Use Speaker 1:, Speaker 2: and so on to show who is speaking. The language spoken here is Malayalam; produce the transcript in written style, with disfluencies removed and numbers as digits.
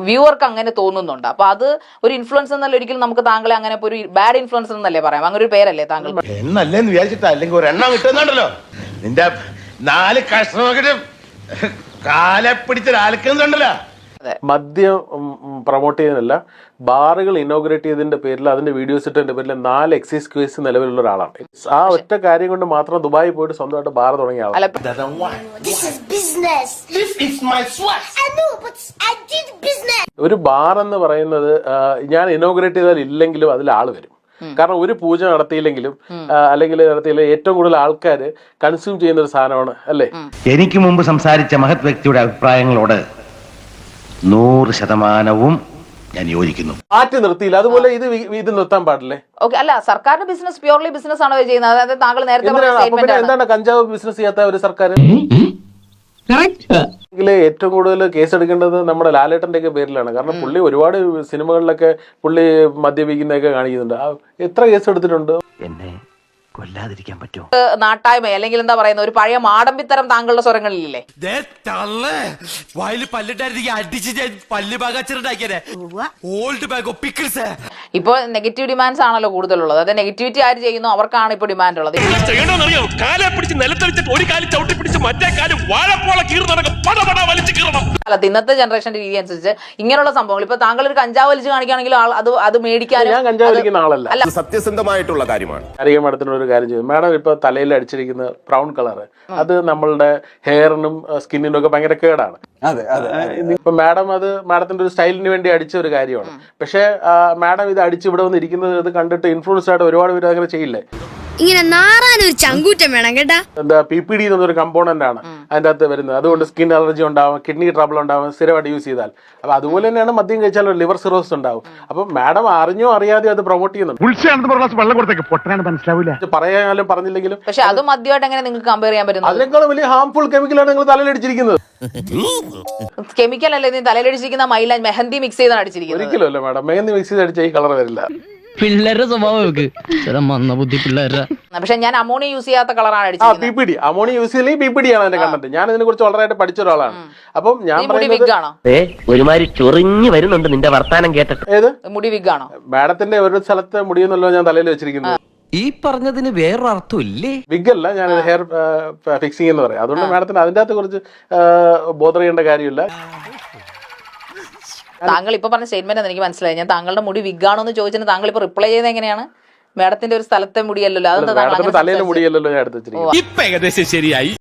Speaker 1: വ്യൂവർക്ക് അങ്ങനെ തോന്നുന്നുണ്ട്. അപ്പൊ അത് ഒരു ഇൻഫ്ലുവൻസ് എന്നല്ല, ഒരിക്കലും നമുക്ക് താങ്കളെ അങ്ങനെ ഒരു ബാഡ് ഇൻഫ്ലുവൻസർ എന്നല്ലേ പറയാം, അങ്ങനെ ഒരു പേരല്ലേ താങ്കൾ
Speaker 2: എന്നല്ലേന്ന് വിചാരിച്ചിട്ടാ, അല്ലെങ്കിൽ ഒരെണ്ണം കിട്ടുന്നുണ്ടല്ലോ നിന്റെ 4 കഷ്ണമൊക്കെ കാലെ പിടിച്ചൊരാൾക്കുന്നുണ്ടല്ലോ.
Speaker 3: മദ്യം പ്രൊമോട്ട് ചെയ്യുന്നതല്ല, ബാറുകൾ ഇനോഗ്രേറ്റ് ചെയ്തതിന്റെ പേരിൽ, അതിന്റെ വീഡിയോസ് ഇട്ടതിന്റെ പേരിൽ 4 എക്സൈസ് കേസ് നിലവിലുള്ള ഒരാളാണ്. ആ ഒറ്റ കാര്യം കൊണ്ട് മാത്രം ദുബായി പോയിട്ട് സ്വന്തമായിട്ട് ബാർ തുടങ്ങിയ ആളാണ്. ഒരു ബാർ എന്ന് പറയുന്നത് ഞാൻ ഇനോഗ്രേറ്റ് ചെയ്താൽ ഇല്ലെങ്കിലും അതിൽ ആള് വരും. കാരണം ഒരു പൂജ നടത്തിയില്ലെങ്കിലും അല്ലെങ്കിൽ നടത്തിയില്ലെങ്കിൽ ഏറ്റവും കൂടുതൽ ആൾക്കാർ കൺസ്യൂം ചെയ്യുന്ന ഒരു സാധനമാണ് അല്ലേ.
Speaker 4: എനിക്ക് മുമ്പ് സംസാരിച്ച മഹത് വ്യക്തിയുടെ അഭിപ്രായങ്ങളോട് 100% ഞാൻ യോജിക്കുന്നു.
Speaker 3: മാറ്റി നിർത്തിയില്ല, അതുപോലെ ഇത് നിർത്താൻ പാടില്ലേ?
Speaker 1: ഓക്കെ, അല്ല സർക്കാരിന്റെ ബിസിനസ് പ്യൂർലി ബിസിനസ് ആണോ ചെയ്യുന്നത്? അതായത് താങ്കൾ നേരത്തെ
Speaker 3: എന്താണ് കഞ്ചാവ് ബിസിനസ് ചെയ്യാത്ത ഒരു സർക്കാർ? ഏറ്റവും കൂടുതൽ കേസ് എടുക്കേണ്ടത് നമ്മുടെ ലാലേട്ടന്റെ ഒക്കെ പേരിലാണ്. കാരണം പുള്ളി ഒരുപാട് സിനിമകളിലൊക്കെ പുള്ളി മദ്യപിക്കുന്നതൊക്കെ കാണിക്കുന്നുണ്ട്. എത്ര കേസ് എടുത്തിട്ടുണ്ട്?
Speaker 4: എന്നെ കൊല്ലാതിരിക്കാൻ പറ്റുമോ?
Speaker 1: നാട്ടായ്മ അല്ലെങ്കിൽ എന്താ പറയുന്നത്, ഒരു പഴയ മാടമ്പിത്തരം താങ്കളുടെ സ്വരങ്ങളിലില്ലേ? ഇപ്പൊ നെഗറ്റീവ് ഡിമാൻഡ്സ് ആണല്ലോ കൂടുതലുള്ളത്. അതായത് നെഗറ്റിവിറ്റി ആര് ചെയ്യുന്നു അവർക്കാണ് ഇപ്പൊ ഡിമാൻഡ് ഉള്ളത്. അല്ല, ഇന്നത്തെ ജനറേഷന്റെ രീതി അനുസരിച്ച് ഇങ്ങനെയുള്ള സംഭവങ്ങൾ, ഇപ്പൊ താങ്കൾ ഒരു കഞ്ചാവ് വലിച്ച് കാണിക്കുകയാണെങ്കിൽ അത് മേടിക്കാനും.
Speaker 3: ഞാൻ കഞ്ചാവ് വലിക്കുന്ന ആളല്ല,
Speaker 2: സത്യസന്ധമായിട്ടുള്ള കാര്യമാണ്.
Speaker 3: ഒരു കാര്യം ചെയ്തു മാഡം, ഇപ്പൊ തലയിൽ അടിച്ചിരിക്കുന്ന ബ്രൗൺ കളർ, അത് നമ്മളുടെ ഹെയറിനും സ്കിന്നിനും ഒക്കെ ഭയങ്കര കേടാണ്. ഇപ്പൊ മാഡം അത് മാഡത്തിന്റെ ഒരു സ്റ്റൈലിന് വേണ്ടി അടിച്ച ഒരു കാര്യമാണ്. പക്ഷെ മാഡം ഇത് അടിച്ച് ഇവിടെ വന്ന് ഇരിക്കുന്നത് ഇത് കണ്ടിട്ട് ഇൻഫ്ലുവൻസ് ആയിട്ട് ഒരുപാട് പേര് അങ്ങനെ ചെയ്യില്ലേ?
Speaker 5: ഇങ്ങനെ നാറാനൊരു ചങ്കൂറ്റം വേണം കേട്ടാ.
Speaker 3: എന്താ PPD എന്നൊരു കമ്പോണന്റ് ആണ് അതിന്റെ അകത്ത് വരുന്നത്. അതുകൊണ്ട് സ്കിൻ അലർജി ഉണ്ടാവും, കിഡ്നി ട്രബിൾ ഉണ്ടാവും സ്ഥിരമായിട്ട് യൂസ് ചെയ്താൽ. അപ്പൊ അതുപോലെ തന്നെയാണ് മദ്യം കഴിച്ചാൽ ലിവർ സിറോസിസ് ഉണ്ടാവും. അപ്പൊ മാഡം അറിഞ്ഞോ അറിയാതെയോ അത് പ്രൊമോട്ട് ചെയ്യുന്നുണ്ട്. പറയാനും പറഞ്ഞില്ലെങ്കിലും.
Speaker 1: പക്ഷെ അത് മദ്യമായിട്ട് എങ്ങനെ നിങ്ങൾക്ക് കമ്പയർ ചെയ്യാൻ പറ്റും?
Speaker 3: അതിനേക്കാൾ വലിയ ഹാംഫുൾ കെമിക്കലാണ് നിങ്ങൾ തലയിലടിച്ചിരിക്കുന്നത്.
Speaker 1: കെമിക്കൽ അല്ലേ നീ തലയിലടിച്ചിരിക്കുന്ന? മൈലാഞ്ച് മെഹന്തി മിക്സ് ചെയ്താണ് അടിച്ചിരിക്കുന്നത്.
Speaker 3: ഒരിക്കലും അല്ല മാഡം, മെഹന്തി മിക്സ് ചെയ്ത് അടിച്ച ഈ കളർ വരില്ല.
Speaker 6: പിള്ളേരുടെ സ്വഭാവം മന്ന ബുദ്ധി പിള്ളേരുടെ.
Speaker 1: പക്ഷെ ഞാൻ അമോണിയ യൂസ് ചെയ്യാത്ത കളറാണ് അടിച്ചത്.
Speaker 3: PPD അമോണിയ യൂസ് ചെയ്യില്ലെങ്കിൽ PPD ആണ് അതിന്റെ കണ്ടന്റ്. ഞാൻ ഇതിനെ കുറിച്ച് വളരെയായിട്ട് പഠിച്ച ഒരാളാണ്. അപ്പം ഞാൻ
Speaker 4: ഒരുമാതിരി ചൊറിഞ്ഞു വരുന്നുണ്ട് നിന്റെ വർത്താനം കേട്ടിട്ട്.
Speaker 3: ഏത്
Speaker 1: മുടി വിഗ് ആണോ?
Speaker 3: മാഡത്തിന്റെ ഒരു സ്ഥലത്തെ മുടിയെന്നല്ലോ ഞാൻ തലയിൽ വെച്ചിരിക്കുന്നത്.
Speaker 6: ഈ പറഞ്ഞതിന് വേറൊരു അർത്ഥം ഇല്ലേ?
Speaker 3: വിഗ് അല്ല, ഞാൻ ഹെയർ ഫിക്സിംഗ് എന്ന് പറയാം. അതുകൊണ്ട് മാഡത്തിന് അതിന്റെ അകത്ത് കുറച്ച് ബോധർ ചെയ്യേണ്ട കാര്യമില്ല.
Speaker 1: താങ്കൾ ഇപ്പൊ പറഞ്ഞ സ്റ്റേറ്റ്മെന്റ് എനിക്ക് മനസ്സിലായി. ഞാൻ താങ്കളുടെ മുടി വിഗാണോ എന്ന് ചോദിച്ചിട്ട് താങ്കൾ ഇപ്പൊ റിപ്ലൈ ചെയ്ത് എങ്ങനെയാണ്? മാഡത്തിന്റെ ഒരു സ്ഥലത്തെ മുടിയല്ലല്ലോ, അതെന്താ
Speaker 3: തലയിലെ മുടിയല്ലല്ലോ ഞാൻ എടുത്ത് വെച്ചിരിക്കുന്നത്.
Speaker 2: ഇപ്പൊ ഏകദേശം ശരിയായി.